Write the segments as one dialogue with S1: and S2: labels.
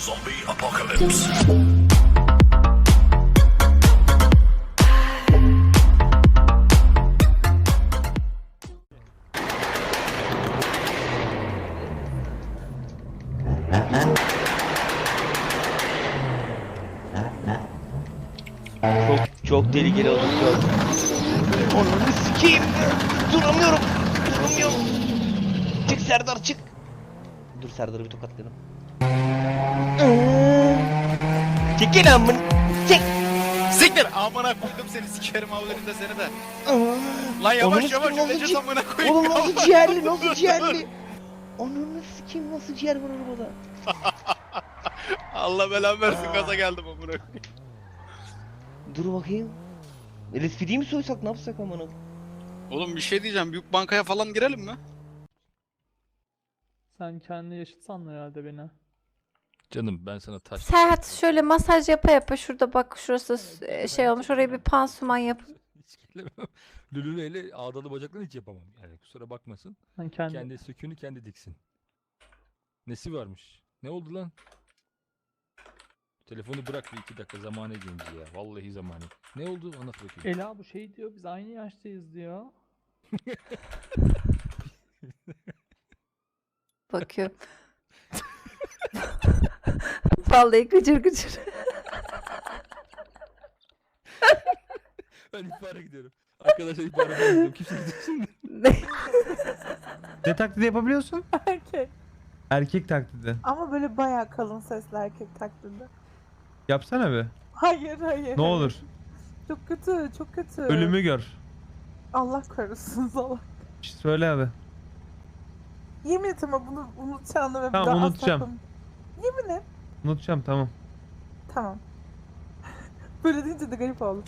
S1: Zombie apocalypse.
S2: Çok tehlikeli oldu. Onu sikeyim. Duramıyorum. Duramıyorum. Çık Serdar çık. Dur Serdar'ı bir tokatlayalım. Çekil amın. Çek.
S3: Siktir! Amına koydum seni, sikerim avlarında seni de. Lan yavaş yavaş öleceğiz amına koyayım.
S2: Oğlum nasıl ciğerli, nasıl ciğerli? Ananı sikeyim, nasıl ciğer var arabada?
S3: Allah belanı versin, gaza geldim amına koyayım.
S2: Dur bakayım. LSPD'yi mi soysak, ne yapsak amına?
S3: Oğlum bir şey diyeceğim, büyük bankaya falan girelim mi?
S4: Sen kendi yaşıt sandın herhalde beni.
S5: Canım ben sana taş...
S6: Serhat şöyle masaj yapa yapa şurada bak şurası şey olmuş oraya bir pansuman yap.
S5: Hiç gelemem. Lülüleyle ağdalı bacaklarını hiç yapamam. Yani kusura bakmasın.
S4: Sen kendi...
S5: Kendi söküğünü kendi diksin. Nesi varmış? Ne oldu lan? Telefonu bırak bir 2 dakika, zamanı genci ya. Vallahi zamanı. Ne oldu? Anlat bakayım.
S4: Ela bu şey diyor, biz aynı yaştayız diyor.
S6: Bakıyor. Vallahi gıcır gıcır.
S5: Ben ihbara gidiyorum. Arkadaşlar ihbara gidiyorum. Kimse gidecek.
S7: Ne taklidi yapabiliyorsun?
S8: Erkek.
S7: Erkek taklidi.
S8: Ama böyle bayağı kalın sesli erkek taklidi.
S7: Yapsana be.
S8: Hayır.
S7: Ne olur.
S8: Çok kötü, çok kötü.
S7: Ölümü gör.
S8: Allah korusun salak.
S7: Söyle abi.
S8: Yemin et ama bunu unutacağını ve bir
S7: Tamam,
S8: daha asla
S7: unutacağım.
S8: Yemin et.
S7: Unutacağım, tamam.
S8: Tamam. Böyle deyince de garip oldu.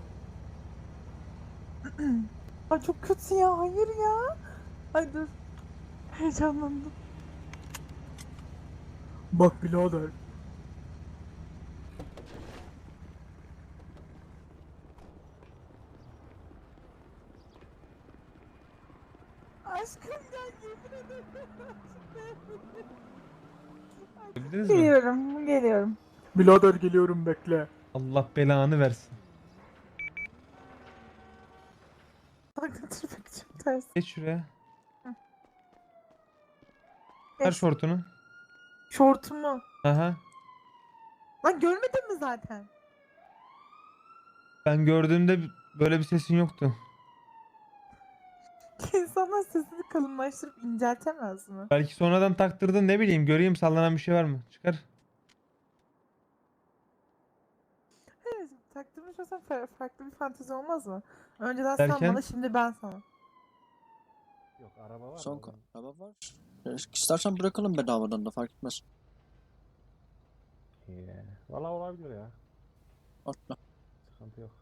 S8: Ay çok kötü ya, hayır ya. Ay dur. Heyecanlandım. Bak birader. Aşkım gel, yemin ederim.
S7: Bildiniz mi?
S8: Geliyorum. Birader geliyorum, bekle.
S7: Allah belanı versin.
S8: Bak götürmek çok ters.
S7: Geç şuraya.
S8: Hı.
S7: Ver
S8: Geç.
S7: şortunu.
S8: Şortumu.
S7: Aha.
S8: Lan görmedin mi zaten?
S7: Ben gördüğümde böyle bir sesin yoktu.
S8: İnsanlar sesini kalınlaştırıp inceltemez mi?
S7: Belki sonradan taktırdın, ne bileyim, göreyim sallanan bir şey var mı? Çıkar.
S8: Evet, taktırmış olsam farklı bir fantezi olmaz mı? Önceden sen
S7: Derken?
S8: bana, şimdi ben sana.
S9: Son araba var. İstersen bırakalım bedavadan da, fark etmez.
S10: Valla olabilir ya.
S9: Atla.
S10: Sıkıntı yok.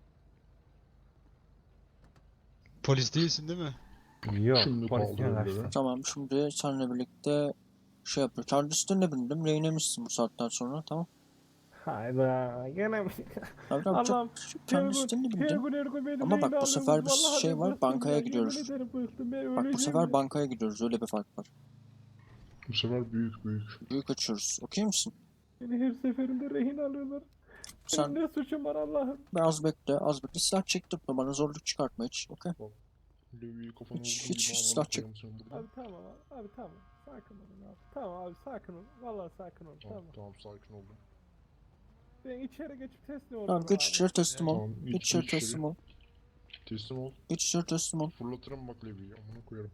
S3: Polis değilsin değil mi?
S10: Yok. Polis değil.
S9: Tamam, şimdi seninle birlikte şey yapıyoruz. Kendi üstüne bindim. Rehinemişsin bu saatten sonra, tamam.
S10: Hayda. Gene mi?
S9: Abi
S10: Allah'ım.
S9: kendi üstüne bindim. Ama bak, bu sefer bir şey var, bankaya gidiyoruz. Bak bu sefer bankaya gidiyoruz, öyle bir fark var.
S1: Bu sefer büyük.
S9: Büyük açıyoruz. Okey misin?
S10: Beni her seferinde rehin alıyorlar.
S9: Sen
S10: Benim ne suçum var Allah'ım?
S9: biraz bekle, az bekle. Silah çektirtme bana, zorluk çıkartma hiç, okey? Hiç silah çek.
S10: Abi tamam abi tamam. Sakin olun abi. Tamam abi sakin ol. Vallahi sakin ol. Tamam.
S1: Sakin oldum.
S10: Ben içeri geçip teslim oldum.
S9: Tamam, geç içeri teslim ol.
S1: Tamam,
S9: Geç içeri teslim ol.
S1: Teslim ol.
S9: Geç içeri teslim ol.
S1: Fırlatırım bak Levi'yi. Amına koyarım.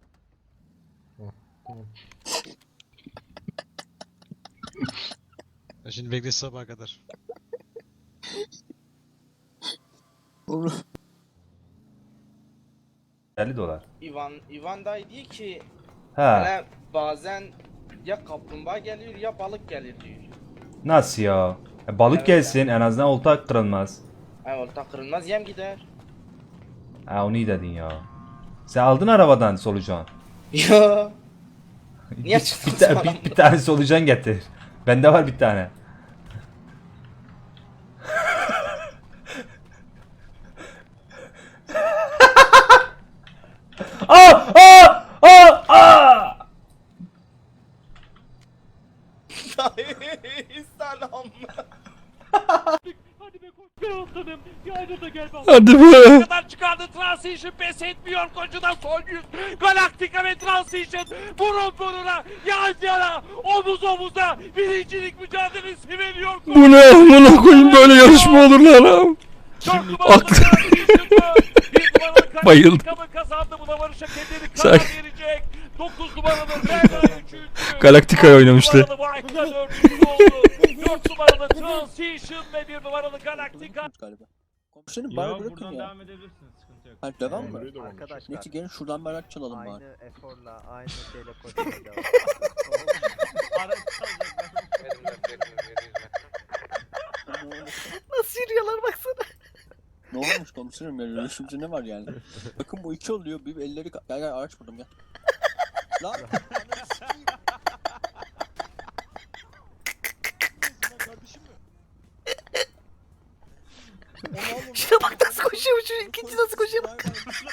S1: Tamam.
S3: Şimdi bekle sabaha kadar.
S9: Oğlum.
S11: 50 dolar.
S2: İvan dayı diyor ki
S11: Ha,
S2: bazen ya kaplumbağa geliyor ya balık gelir diyor.
S11: nasıl ya? Balık
S2: Evet,
S11: gelsin, en azından olta kırılmaz.
S2: Olta kırılmaz, yem gider.
S11: Ha, onu iyi dedin ya. Sen aldın arabadan solucan.
S2: Yo. Niye
S11: Bir,
S2: çıktın
S11: bir, ta-
S2: sana?
S11: bir tane solucan getir. Bende var bir tane. Aa! Aa! Aa! Aa!
S10: Hadi be koç be aslanım. Yayda da gel bak.
S5: Hadi be.
S10: Kadar çıkardı Transition pes etmiyor koçudan son yüz. Galaktika ve Transition burun buruna, yan yana, omuz omuza birincilik mücadelesi veriyor.
S5: Bu ne amına koyayım, böyle yarışma olur lan. Aklı. Bayıldım.
S10: Kazandı, buna Barış'a kendini
S5: Sen-
S10: karar verecek. 9 numaralı Berna 3.
S5: Galaktika'ya oynamıştı.
S10: 4 numaralı Vayka 4. oldu. 4 numaralı Transition ve 1 numaralı Galaktika.
S9: Galiba. Komiserim bari bırakın ya.
S5: edebilirsiniz, sıkıntı yok.
S9: Ha devam mı?
S1: Burayı da varmış.
S9: Neyse gelin şuradan bir araç çalalım bari.
S2: eforla, aynı şeyle koşmaya devam.
S8: Nasıl yürüyorlar baksana.
S9: Ne olmuş komiserim ya? Yürüyüşümüzde ne var yani? Bakın bu iki oluyor. Bir elleri... Gel gel araç buldum gel. Lan! Ananı sikeyim. Kardeşim mi?
S8: Şuna bak nasıl koşuyor şu ikinci nasıl koşuyor bak.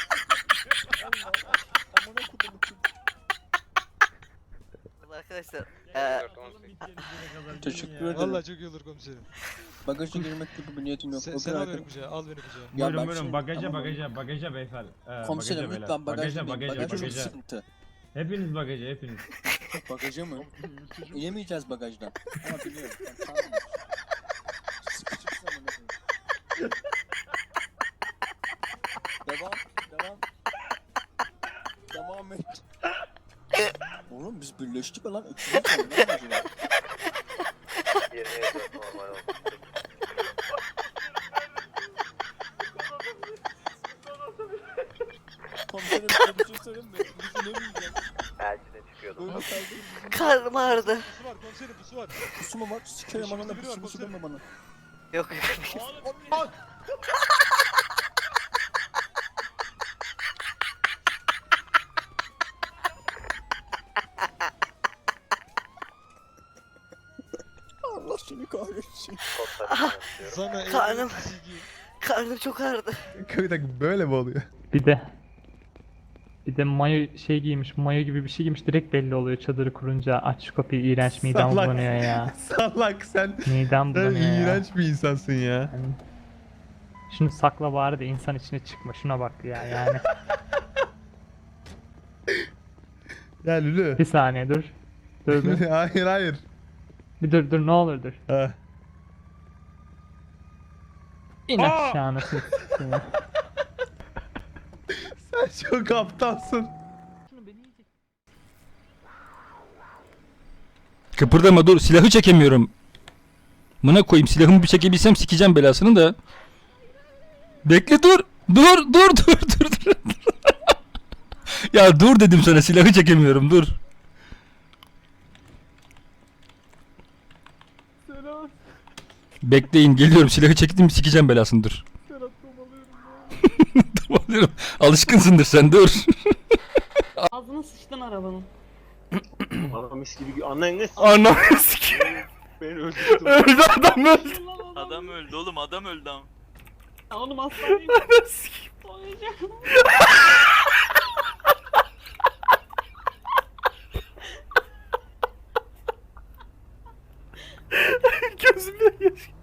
S8: Arkadaşlar
S9: Teşekkür ederim.
S3: Vallahi çok iyi olur komiserim.
S9: Bagaja girmek gibi bir niyetim yok.
S3: Sen
S9: Bakın
S3: al beni
S9: arkadaşlar.
S3: kucağa, al beni kucağa.
S9: Ya
S5: Buyurun
S9: ben
S5: buyurun,
S9: şimdi-
S5: bagaja
S9: tamam.
S5: bagaja beyefendi.
S9: Komiserim
S5: Bagaja
S9: lütfen bagajda
S5: bagaja
S9: değil. Bagaj çok
S5: bagaja.
S9: sıkıntı.
S5: Hepiniz bagaja, hepiniz.
S9: Bagaja mı? İnemeyeceğiz bagajdan. Ama biliyorum. Ben tahmin ettim. Sıkışırsın amına koyayım. Devam. Devam et. Oğlum biz birleştik mi lan? Üçüncü tane ne var acaba? Komiserim size bir şey söyleyeyim mi? Biz inemeyeceğiz. Böyle kaldık.
S8: karnım ağrıdı.
S3: Pusu var komiserim, pusu var.
S9: Pusu mu var? Sikerim anana pusu deme bana.
S8: Yok.
S9: Allah seni kahretsin.
S3: Sana
S8: Karnım. Karnım çok ağrıdı.
S7: Bir dakika böyle mi oluyor?
S4: Bir de mayo şey giymiş, mayo gibi bir şey giymiş, direkt belli oluyor çadırı kurunca. Aç şu kapıyı, iğrenç, midem
S7: Salak.
S4: bulanıyor ya.
S7: Salak sen.
S4: Midem
S7: Sen
S4: bulanıyor ya.
S7: iğrenç bir insansın ya.
S4: Yani, şunu sakla bari de insan içine çıkma, şuna bak ya yani.
S7: Ya Lülü.
S4: Bir saniye dur. Dur dur.
S7: Hayır.
S4: Bir dur ne olur dur.
S7: Ha.
S4: İn aşağı nasıl ya.
S7: Sen çok aptalsın.
S5: Kıpırdama, dur, silahı çekemiyorum. Mına koyayım, silahımı bir çekebilsem sikeceğim belasını da. Bekle, dur. Dur. Ya dur dedim sana, silahı çekemiyorum, dur.
S10: Selam.
S5: Bekleyin, geliyorum, silahı çektim, sikeceğim belasını, dur.
S10: Serap domalıyorum ya.
S5: Domalıyorum. Alışkınsındır sen, dur.
S8: Ağzına sıçtın arabanın.
S10: Aramış gibi annen
S5: Anam sikeyim.
S10: beni öldürdü.
S5: Öldü adam, öldü.
S10: Adam öldü oğlum, adam öldü ama.
S8: Oğlum hastaneyim.
S7: Gözümden yaş.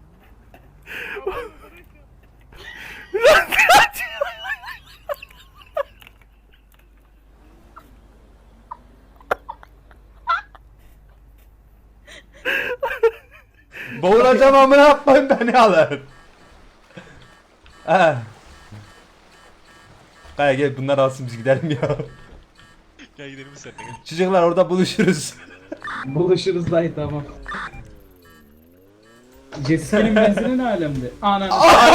S11: Boğulacağım amına yapmayın, beni alın. Kaya gel, bunlar alsın, biz gidelim ya.
S3: Gel gidelim biz seninle.
S11: Çocuklar orada buluşuruz.
S4: Buluşuruz dayı, tamam. Senin benzinin ne alemde? Anan.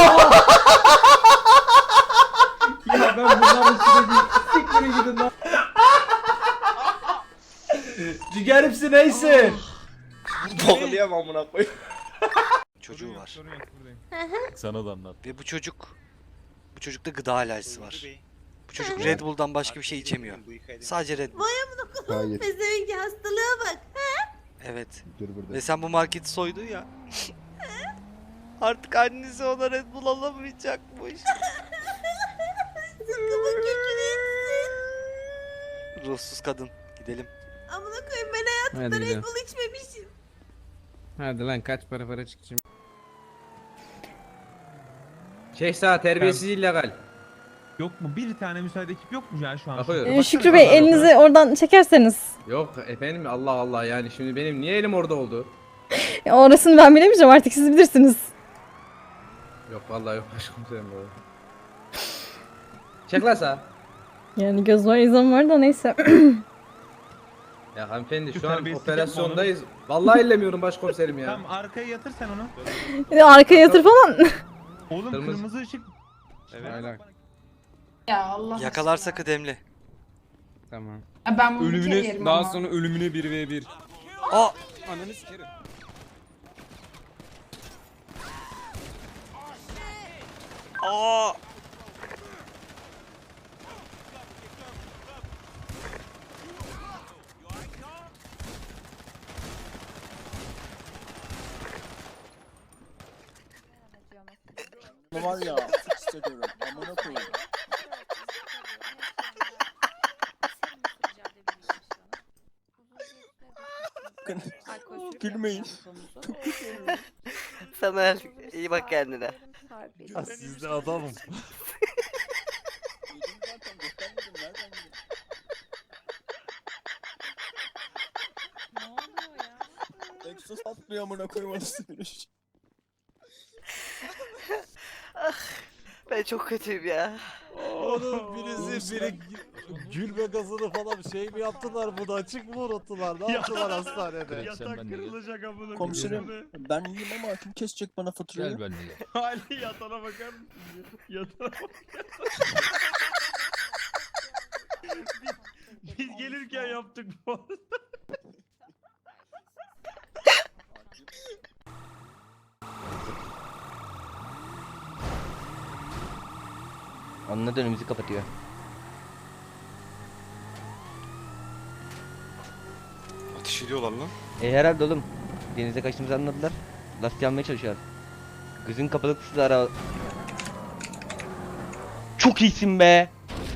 S4: Ya ben bunların sürekli sikmini gidin lan.
S11: Ciğerimsi neyse.
S10: Bağlayamam amına koyayım.
S3: Çocuğu var.
S5: Sana da anlat.
S10: Ve bu çocukta gıda alerjisi var. Bu çocuk Red Bull'dan başka bir şey içemiyor. Sadece Red Bull.
S1: Hayır.
S6: Pezevenk hastalığa bak.
S1: Evet.
S10: Ve sen bu marketi soydun ya. Artık annesi ona Red Bull alamayacakmış. Ruhsuz kadın. Gidelim.
S6: Amına koyayım, ben hayatımda
S7: Hadi
S6: Red
S7: gidelim.
S6: Bull içmemişim.
S10: Hadi lan kaç para çıkacağım.
S7: Şeyh terbiyesiz illegal. Yok mu? Bir tane müsait ekip yok mu ya şu an?
S8: Şükrü Bey elinizi oradan çekerseniz.
S10: Yok efendim Allah Allah yani şimdi benim niye elim orada oldu?
S8: Orasını ben bilemeyeceğim artık siz bilirsiniz.
S10: Yok vallahi yok başkomiserim bu. Çek lan sağa.
S8: Yani göz var izan var da neyse.
S10: Ya hanımefendi şu an
S7: Terbiyesizlik
S10: operasyondayız. Vallahi ellemiyorum başkomiserim ya.
S7: Tamam arkaya yatır sen onu.
S8: Bir de arkaya yatır falan.
S7: Oğlum
S10: Kırmızı-
S7: kırmızı ışık.
S10: Aynen.
S6: Ya Allah.
S1: Yakalarsa kıdemli.
S10: Tamam.
S6: Ben bunu yerim
S3: daha
S6: ama.
S3: sonra ölümüne 1v1.
S1: Aa!
S3: Ananı sikerim.
S1: Aa!
S9: Ne var ya? Fix ediyorum. Amına koyayım. Gülmeyin.
S1: Samer iyi bak kendine.
S6: Siz
S1: adamım.
S9: Yedim zaten göstermedim. Nereden bileyim?
S6: Ne oluyor ya?
S9: Exos atlıyor amına koyayım arası bir.
S1: Ben çok kötüyüm ya.
S12: Oğlum biri gülme gazını falan şey mi yaptılar bunu açık mı unuttular ne yaptılar hastanede?
S5: Yatak kırılacak
S12: amına.
S9: Komiserim ben iyiyim ama kim kesecek bana faturayı?
S5: Gel benimle.
S12: Ali yatana bakar mısın? Yatana Biz gelirken yaptık bu arada.
S2: Onunla da önümüzü kapatıyor.
S3: Ateş ediyorlar lan.
S2: Herhalde oğlum. Denize kaçtığımızı anladılar. Lastik almaya çalışıyorlar. Gözün kapalı kısıtlı ara. Çok iyisin be.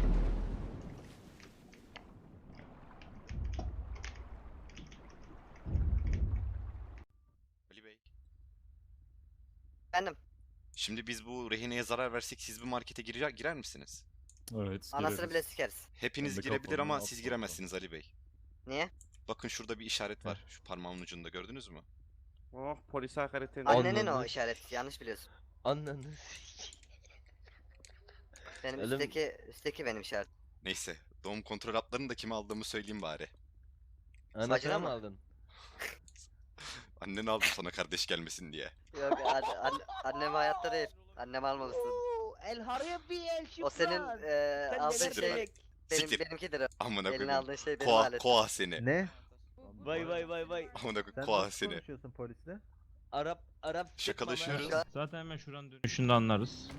S3: Ali Bey.
S6: Efendim?
S3: Şimdi biz bu rehineye zarar versek siz bu markete girer misiniz?
S12: Evet.
S6: Anasını bile sikeriz.
S3: Hepiniz
S12: Ben de
S3: girebilir
S12: kapalı,
S3: ama
S12: ne
S3: siz
S12: yapayım?
S3: giremezsiniz Ali Bey.
S6: Niye?
S3: Bakın şurada bir işaret var. Şu parmağımın ucunda gördünüz mü?
S10: Oh polis hakaret
S6: Annenin o işareti. Yanlış biliyorsun.
S2: Anladın.
S6: Benim
S2: Oğlum-
S6: üstteki benim işaret.
S3: Neyse. Doğum kontrol haplarını da kime aldığımı söyleyeyim bari.
S2: Anasını
S6: Bacına
S2: mı
S6: mı?
S2: aldın?
S3: Annen aldı sana kardeş gelmesin diye.
S6: Yok annem hayatta değil. Annem almamışsın.
S8: El haraya bir el
S6: O senin aldığın
S3: Siktir
S6: şey
S3: lan. Siktir.
S6: benimkidir o.
S3: Amına
S6: Eline
S3: koyayım.
S6: aldığın şey benim
S3: Koa,
S6: aletim.
S3: koa seni.
S7: Ne?
S2: Vay vay vay vay.
S3: Amına koyayım koa seni.
S7: konuşuyorsun polisle?
S2: Arap
S3: Şakalaşıyoruz.
S12: Zaten hemen şuranın dönüşünde anlarız.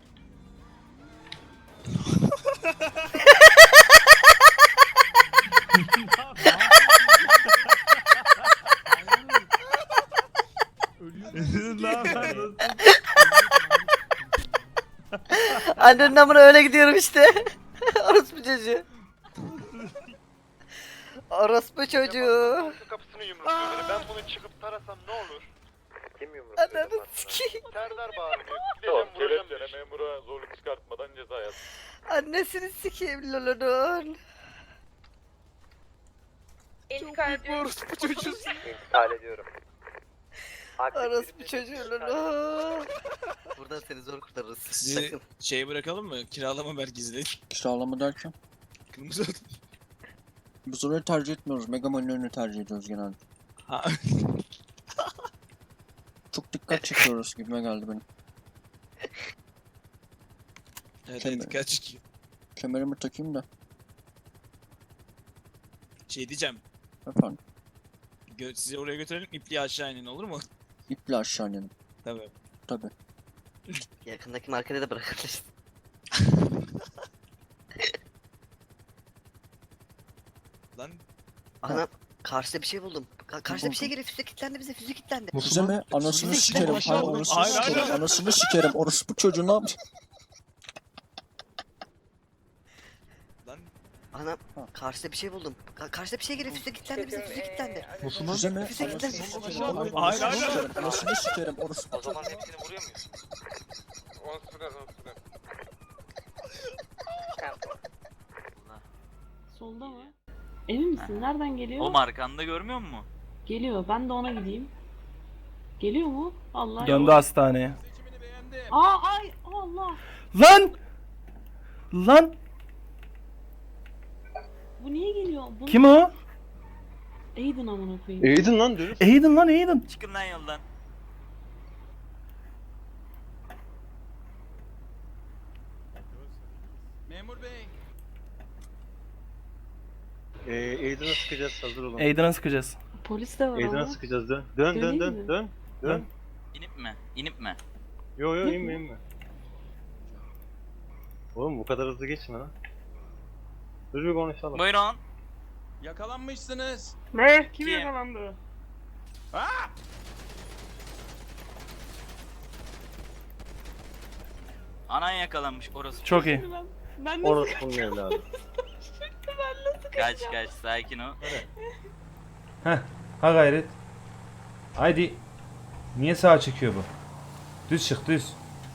S6: Annenin amına öyle gidiyorum işte. Orospu çocuğu. Orospu çocuğu.
S10: Kapısını yumrukluyor. Ben bunu çıkıp tarasam ne olur? Kim
S6: Ananı sikeyim.
S10: Serdar bağırıyor. Gideceğim vuracağım dedi. Memura zorluk çıkartmadan ceza yaz.
S6: Annesini sikeyim Lolonun.
S3: Orospu çocuğu.
S10: İntikal ediyorum.
S6: Orospu çocuğu Lolo. Buradan seni zor kurtarırız. Sakın.
S10: Şey bırakalım mı? Kiralama merkezine.
S9: Kiralama derken?
S10: Kırmızı
S9: Biz orayı tercih etmiyoruz. Megaman'ın önünü tercih ediyoruz genelde.
S10: Ha.
S9: Çok dikkat çekiyoruz gibime geldi benim.
S10: Evet,
S9: Kemer.
S10: dikkat çekiyor.
S9: Kemerimi takayım da.
S10: Şey diyeceğim.
S9: Efendim.
S10: Sizi oraya götürelim. İpliği aşağı inin olur mu?
S9: İple aşağı inelim.
S10: Tabii.
S9: Tabii.
S6: Yakındaki markete de bırakabilirsin.
S10: Lan
S6: Anam karşıda bir şey buldum. Karşıda bir şey geliyor. Füze kilitlendi bize. Füze kilitlendi.
S9: Bize mi? Anasını
S6: Bize
S9: sikerim.
S6: aşağı
S9: Hayır
S6: olun.
S9: anasını
S12: Hayır,
S9: sikerim.
S12: hayır.
S9: Anasını sikerim. Orospu çocuğu ne yapacak?
S10: lan
S1: Anam karşıda bir şey buldum. Karşıda bir şey geliyor. Füze kilitlendi bize. Füze kilitlendi.
S9: Nasıl lan? Füze mi?
S1: Füze kilitlendi.
S10: Hayır, hayır.
S9: Anasını sikerim orası.
S10: O zaman hepsini vuruyor muyuz?
S8: Solda mı? Emin misin? Nereden geliyor?
S10: Oğlum arkanda görmüyor musun?
S8: Geliyor. Ben de ona gideyim. Geliyor mu? Allah.
S5: Döndü hastaneye.
S8: Ay Allah.
S5: Lan! Lan!
S8: Bu niye geliyor? Bu
S5: Kim o?
S8: Aiden amına koyayım.
S2: Aiden lan diyoruz.
S5: Aiden lan Aiden.
S10: Çıkın lan yoldan. Memur bey.
S12: Aiden'a sıkacağız, hazır olun.
S5: Aiden'a sıkacağız.
S8: Polis de var
S12: Aiden'a
S8: ama.
S12: sıkacağız, dön. Dön dön
S8: Döneyim
S12: dön
S8: mi?
S12: dön. Dön.
S10: İnip mi? İnip mi?
S12: Yo yo
S8: Yok
S12: inme
S8: mu?
S12: inme. Oğlum bu kadar hızlı geçme lan. Dur bir konuşalım.
S10: Buyurun. Yakalanmışsınız.
S8: Ne? Kim
S10: Kim?
S8: yakalandı?
S10: Anan yakalanmış orası.
S5: Çok iyi.
S8: Ben de
S12: Orası bunun evladı.
S10: Kaç sakin ol.
S11: Heh, ha gayret. Haydi. Niye sağa çekiyor bu? Düz çık düz.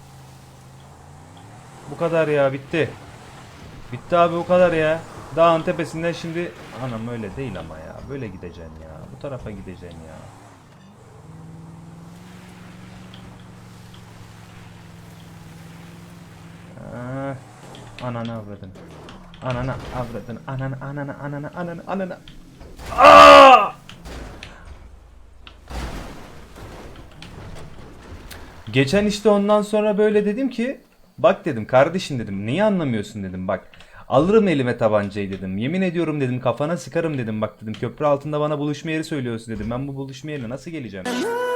S11: Bu kadar ya, bitti. Bitti abi, bu kadar ya. Dağın tepesinden şimdi... Anam öyle değil ama ya. Böyle gideceksin ya. Bu tarafa gideceksin ya. Ananı avradın. Ananı avradın. Ananı. Aa! Geçen işte ondan sonra böyle dedim ki, bak dedim kardeşim dedim, niye anlamıyorsun dedim, bak alırım elime tabancayı dedim, yemin ediyorum dedim, kafana sıkarım dedim, bak dedim köprü altında bana buluşma yeri söylüyorsun dedim, ben bu buluşma yerine nasıl geleceğim?